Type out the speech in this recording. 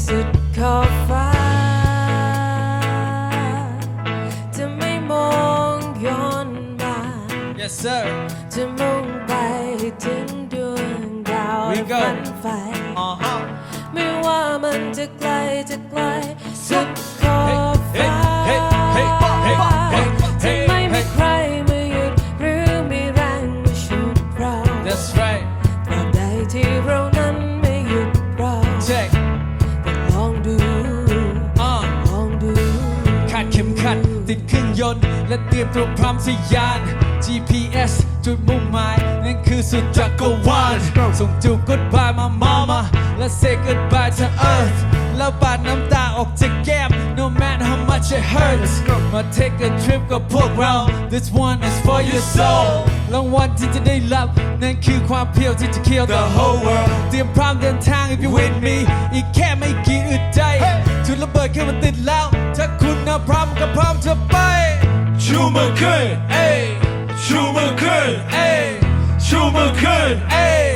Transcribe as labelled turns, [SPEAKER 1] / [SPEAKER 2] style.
[SPEAKER 1] สุดขอบฟ้าจะไม่มองย้อนมา
[SPEAKER 2] Yes sir
[SPEAKER 1] จะมุ่งไปถึงดวงดาวฝันไฟไม่ว่ามันจะไกลสุดขอบฟ้าจะไม่มีใครมาหยุดหรือมีแรงมาฉุดเรา
[SPEAKER 2] That's right
[SPEAKER 1] ตราบใดที่เรานั้นไม่หยุดเรา
[SPEAKER 2] Check
[SPEAKER 1] แต่ลองดู
[SPEAKER 2] คาดเข็มขัดติดเครื่องยนต์และเตรียมตัวพร้อมทะยาน GPS จุดมุ่งหมายนั่นคือสุดจักรวาลส่งจูบ goodbye มา mama และ say goodbye to earth แล้วปาดน้ำตาออกจากแก้ม no matter how much it hurts มา take a trip กับพวกเรา this one is for your soul รางวัลที่จะได้รับนั่นคือความเพียวที่จะ kill the whole world เตรียมพร้อมเดินทาง if you with me อีกแค่ไม่กี่อึดใจจุดระเบิดแค่มันติดแล้วถ้าคุณพร้อมก็พร้อมจะไปชูมือขึ้นเอ้ยชูมือขึ้นเอ้ยชูมือขึ้นเอ้ย